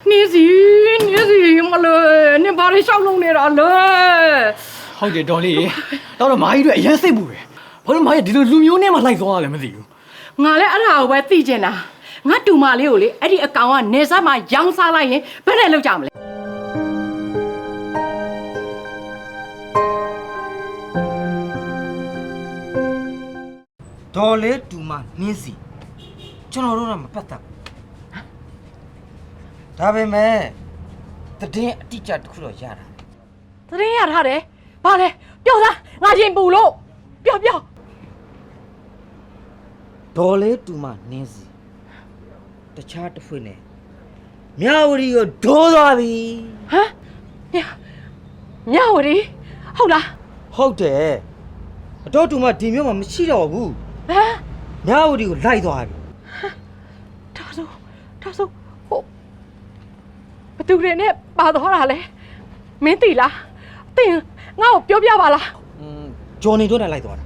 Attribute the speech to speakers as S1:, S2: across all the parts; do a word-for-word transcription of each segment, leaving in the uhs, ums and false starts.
S1: နေစီနေစီမလို့နေဘာတွေရှောက်လုံးနေတာလဲ
S2: ဟုတ်တယ်တော်လေးတော့တော့မာကြီးတို့အရင်စိတ်ပူတယ်ဘာလို့မာကြီးဒီလိုလူမျိုးနဲ့မှလိုက်သွားရလဲမသိဘူး
S1: ငါလည်းအဲ့ဒါကိုပဲသိကျင်တာငါတူမလေးကိုလေအဲ့ဒီအကောင်ကနေစားမှာရောင်းစားလိုက်ရင်ဘယ်နဲ့လောက်ကြမလဲ
S3: ဒေါ်လေးတူမနှင်းစီကျွန်တော်တို့ကမပတ်သက်ဒါပေမဲ့တည်င်းအတိအကျတစ်ခုတော့ရတာ
S1: သတရင်ရထားတယ်ဘာလဲပြောသားငါရင်ပူလို့ပြောပြော
S3: ဒေါ်လေးတူမနှင်းစီတခြားတစ်ဖွင့်နဲ့မြဝတီကိုဒိုးသွားပြီ
S1: ဟမ်မြမြဝတီဟုတ်လား
S3: ဟုတ်တယ်အတော်တူမဒီမျိုးမှာမရှိတော့ဘူး
S1: ဟမ်
S3: မြဝတီကိုလိုက်သွားပြီ
S1: ဒါဆိုဒါဆိုဟိုဘသူတွေနဲ့ပါသွားတာလဲမင်းသိလားသိရင်ငါ့ကိုပြောပြပါလား
S3: อืมဂျော်နေတို့နဲ့လိုက်သွားတာ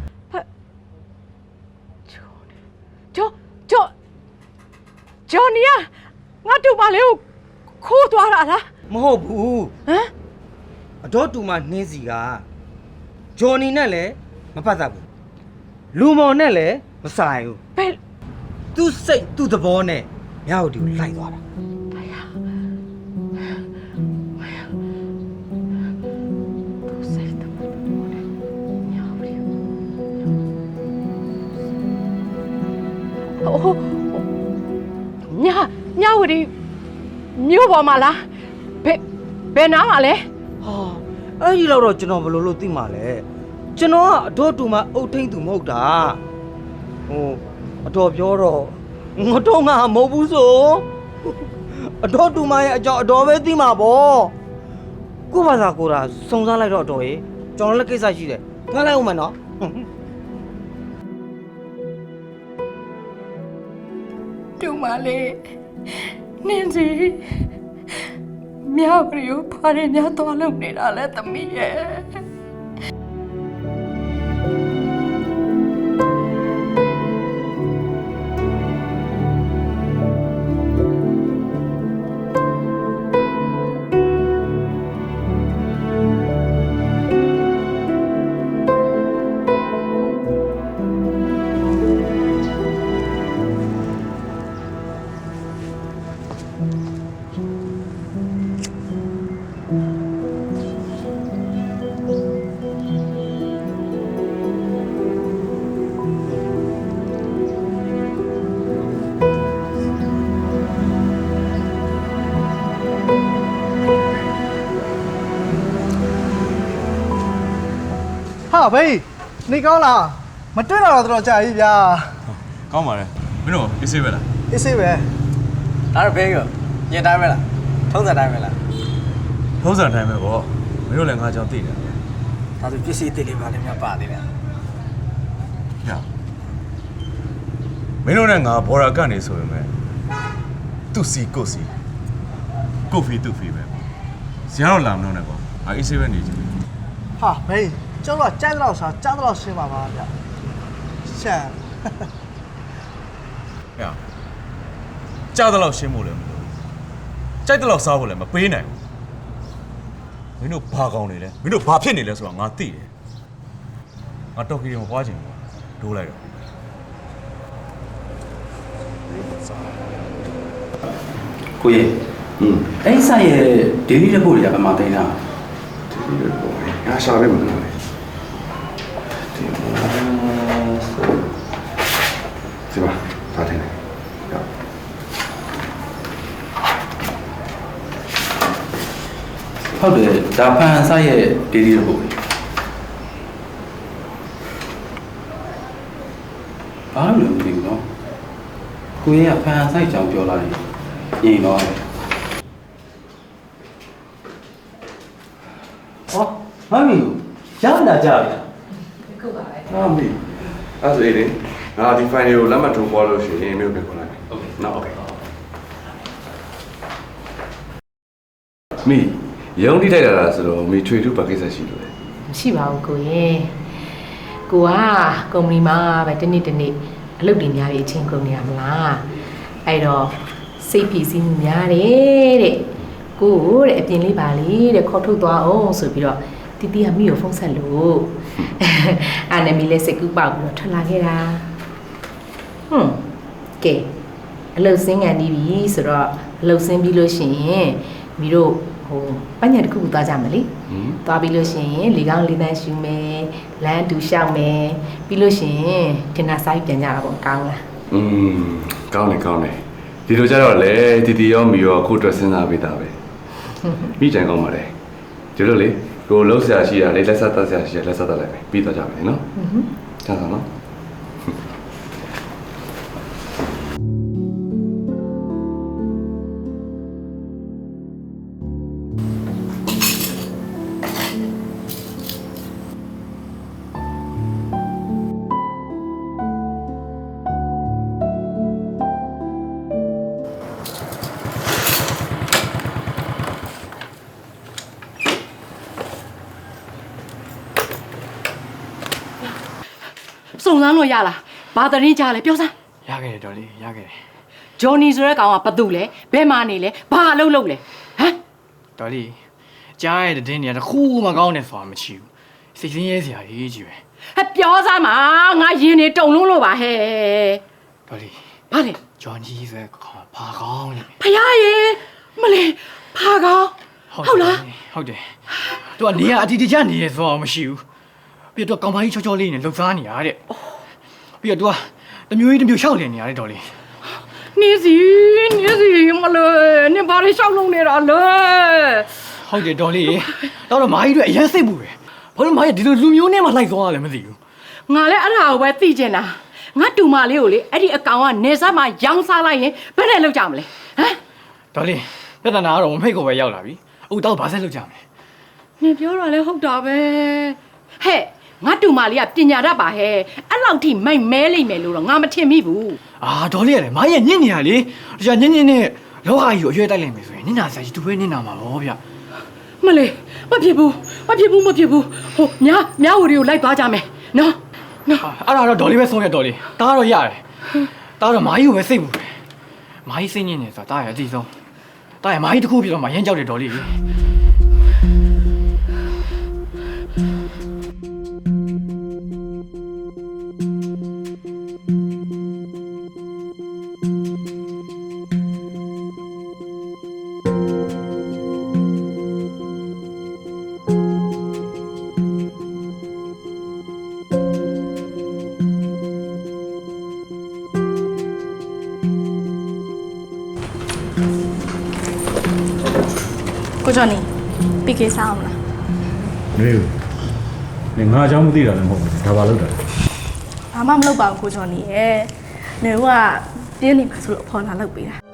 S1: ဂျောဂျောဂျောနီယာငါတူမလေးကိုခိုးသွားတာလား
S3: မဟုတ်ဘူး
S1: ဟမ်
S3: အတော်တူမနှင်းစီကဂျော်နီနဲ့လည်းမပတ်သက်ဘူးလူမော်နဲ့လည်းမဆိုင်ဘူး
S1: ဘယ်
S3: သူ့စိတ်သူ့သဘောနဲ့မြဝတီကိုလိုက်သွားတာ
S1: ဟိုညညဝတီမြို့ပေါ်မှာလားဘယ်ဘယ်နားမှာလဲ
S3: ဟာအဲ့ဒီတော့ကျွန်တော်ဘယ်လိုလုပ်သိမှာလဲကျွန်တော်ကအတော်တူမအုတ်ထိန်သူမဟုတ်တာဟိုအတော်ပြောတော့ငါတော့ငါမဟုတ်ဘူးဆိုအတော်တူမရဲ့အကြောင်းအတော်ပဲသိမှာပေါ့ကိုဘာသာကိုတာစုံစမ်းလိုက်တော့အတော်ရေကျွန်တော်လည်းကိစ္စရှိတယ်ငါလိုက်ဦးမယ်နော်
S1: တူမလေးနင်းစီမြောက်ရီကိုဖားရညသွားလုပ်နေတာလဲသမီးရဲ့
S4: ဟာဘေးနေကောင်းလားမတွေ့တော့တော့ကြာပြီဗျာ
S5: ကောင်းပါလေမင်းတို့အေးဆေးပဲလား
S4: အေးဆေးပဲ
S2: ဒါတော့ဘေးကညင်တိုင်းပဲလားထုံးစံတိုင်းပဲလား
S5: ထုံးစံတိုင်းပဲပေါ့မင်းတို့လည်းငါကြောင့်သိတယ်
S2: ဒါဆိုပစ္စည်းအစ်စ်လေးပါလည်းများပါသေးတယ်
S5: ညမင်းတို့နဲ့ငါဘော်ရာကနေဆိုရင်ပဲသူ့စီကိုစီကိုဖီသူ့ဖီပဲဇာတော့လာမလို့နဲ့ပေါ့ငါအေးဆေးပဲနေကြည့်
S4: ဟာဘေးကျောင်းတော့ကြိုက်တော့စားကြားတော့ရှင်းပါပါဗျာရှမ်း
S5: ညကြားတော့ရှင်းဖို့လည်းမလိုကြိုက်တော့စားဖို့လည်းမပေးနိုင်ဘူးမင်းတို့ဘာကောင်းနေလဲမင်းတို့ဘာဖြစ်နေလဲဆိုတာငါသိတယ်ငါတော့ခီးမပွားချင်ဘူးဒိုးလိုက်တော့
S6: ကိုရဲ့ဟင်းအဲ့ဆိုင်ရဲ့ daily report တွေကဘာမှသိနေတာ
S7: daily report ငါရှာလိုက်မှာလားဒီမှာထားတယ်
S6: ဟုတ်တယ်ဒါဖန်ဆိုင်ရဲ့ daily report ဘာလို့လဲမသိဘူးနော်ကိုရဲ့ဖန်ဆိုင်ကြောင်ပြောလာရင်ရင်တော့ဟောမမီရလာကြပြီ
S1: ခုပါပဲ
S7: ဟာမီအဲ့ဒါလေငါဒီ file ကိုလက်မှတ်ထိုးပေါ်လို့ရှိရင်မျိုးပြန်ခေါ်လိုက်โอเคနော်โอเคမီရုံးတိထိုက်တာလားဆိုတော့မီထွေထူးပါကိစ္စရှိလို့လေ
S1: မရှိပါဘူးကိုရဲ့ကိုကကုမ္ပဏီမှာပဲတနေ့တနေ့အလုပ်တွေများပြီးအချင်းကုန်နေရမလားအဲ့တော့စိတ်ဖြည့်စည်းမှုများတယ်တဲ့
S8: ကိုတဲ့အပြင်လေးပါလေတဲ့ခေါ်ထုတ်သွားအောင်ဆိုပြီးတော့တီတီကမိကိုဖုန်းဆက်လို့အာနမီလေးစိတ်ကူးပေါက်ပြီးတော့ထွက်လာခဲ့တာဟွန်းကဲအလုတ်စင်းကန်နေပြီဆိုတော့အလုတ်စင်းပြီးလို့ရှိရင်မိတို့ဟိုပညာတစ်ခုခုသွားကြမလဲသွားပြီးလို့ရှိရင်လေကောင်းလေးတန်းရှူမယ်လမ်းတူလျှောက်မယ်ပြီးလို့ရှိရင်တင်နာဆိုင်ပြန်ကြတာပေါ့ကောင်းလား
S7: อืมကောင်းတယ်ကောင်းတယ်ဒီလိုကြတော့လေတီတီရောမီရောအခုအတွက်စဉ်းစားပေးတာပဲမိကြံကောင်းပါလေဒီလိုလေကိုလှုပ်ရှားရှိတာလေလက်ဆက်သက်ရှားရှိတာလက်ဆက်သက်လိုက်မယ်ပြီးတော့ကြပါမယ်နော်อือဟึကျန်ဆောင်နော်
S1: စုံစမ်းလို့ရလားဘာတရင်ကြားလဲပြောစမ်း
S2: ရခဲ့တယ်ဒေါ်လေးရခဲ့တယ်
S1: ဂျော်နီဆိုတဲ့ကောင်ကဘာတူလဲဘယ်မှာနေလဲဘာအလုပ်လုပ်လဲဟမ်
S2: ဒေါ်လေးကြားရတဲ့တင်းတွေကတစ်ခုမှကောင်းတယ်ဆိုတာမရှိဘူးစိတ်ဆင်းရဲစရာကြီးကြီးပဲ
S1: ဟဲ့ပြောစမ်းပါငါရင်နေတုံလုံးလို့ပါဟဲ့
S2: ဒေါ်လေး
S1: ဘာလဲ
S2: ဂျွန်ကြီးဆိုတဲ့ခေါင်းဘာကောင်းလဲ
S1: ဖယားရေမလေးဖာကောင်ဟုတ်လား
S2: ဟုတ်တယ်သူကနေရအတီတကျနေရဆိုတာမရှိဘူးပြီးတော့ကောင်မကြီးချောချောလေးနဲ့လှုပ်ရှားနေရတဲ့ပြီးတော့ तू ကတမျိုးကြီးတမျိုးရှောက်နေနေရတယ်ဒေါ်လေး
S1: နေစီနေစီမလေးနေဘာလို့ရှောက်လုံးနေတာလဲ
S2: ဟုတ်တယ်ဒေါ်လေးတော့တော့မာကြီးတို့အရင်စိတ်ပူတယ်ဘာလို့မာကြီးဒီလိုလူမျိုးနဲ့မှလိုက်သွားရလဲမသိဘူး
S1: ငါလည်းအဲ့ဒါကိုပဲသိကျင်တာငါတူမလေးကိုလေအဲ့ဒီအကောင်ကနေစားမှာရောင်းစားလိုက်ရင်ဘယ်နဲ့လောက်ကြမလဲဟမ်
S2: ဒေါ်လေးပြဿနာကတော့မဖိတ်ကိုပဲရောက်လာပြီအခုတော့ဘာဆက်လုပ်ကြမလဲ
S1: နေပြောတာလဲဟုတ်တာပဲဟဲ့ငါတူမလေးကပညာတတ်ပါဟဲ့အဲ့လောက်ထိမိုက်မဲလိမ့်မယ်လို့တော့ငါမထင်မိဘူး
S2: အာဒေါ်လေးရတယ်မာကြီးညစ်နေရလေတခြားညစ်ညစ်နဲ့လောဟာကြီးကိုအရွယ်တိုက်လိုက်မယ်ဆိုရင်နင့်နာဆိုင်ကြီးသူပဲနင့်နာမှာဗောဗျ
S1: မလေးမဖြစ်ဘူးမဖြစ်ဘူးမဖြစ်ဘူးဟိုမြားမြားဝရီကိုလိုက်သွားကြမယ်နော်နော်
S2: အဲ့ဒါတော့ဒေါ်လေးပဲဆုံးရဒေါ်လေးတားတော့ရတယ်တားတော့မာကြီးကိုပဲစိတ်ပူတယ်မာကြီးစိတ်ညစ်နေဆိုတာတားရအသိဆုံးတားရမာကြီးတစ်ခုဖြစ်တော့မှရမ်းကြောက်တယ်ဒေါ်လေး
S9: ကိုကျော်နေပီကေစားအောင်လား
S5: နေနေငါအကြောင်းမသိတာလည်းမဟုတ်ဘူးဒါပါလို့တာ
S9: ဘာမှမလုပ်ပါဘူးကိုကျော်နေရဲ့နေကပြင်းနေမှာဆိုလို့အဖေါ်လာလုပ်ပေးတာ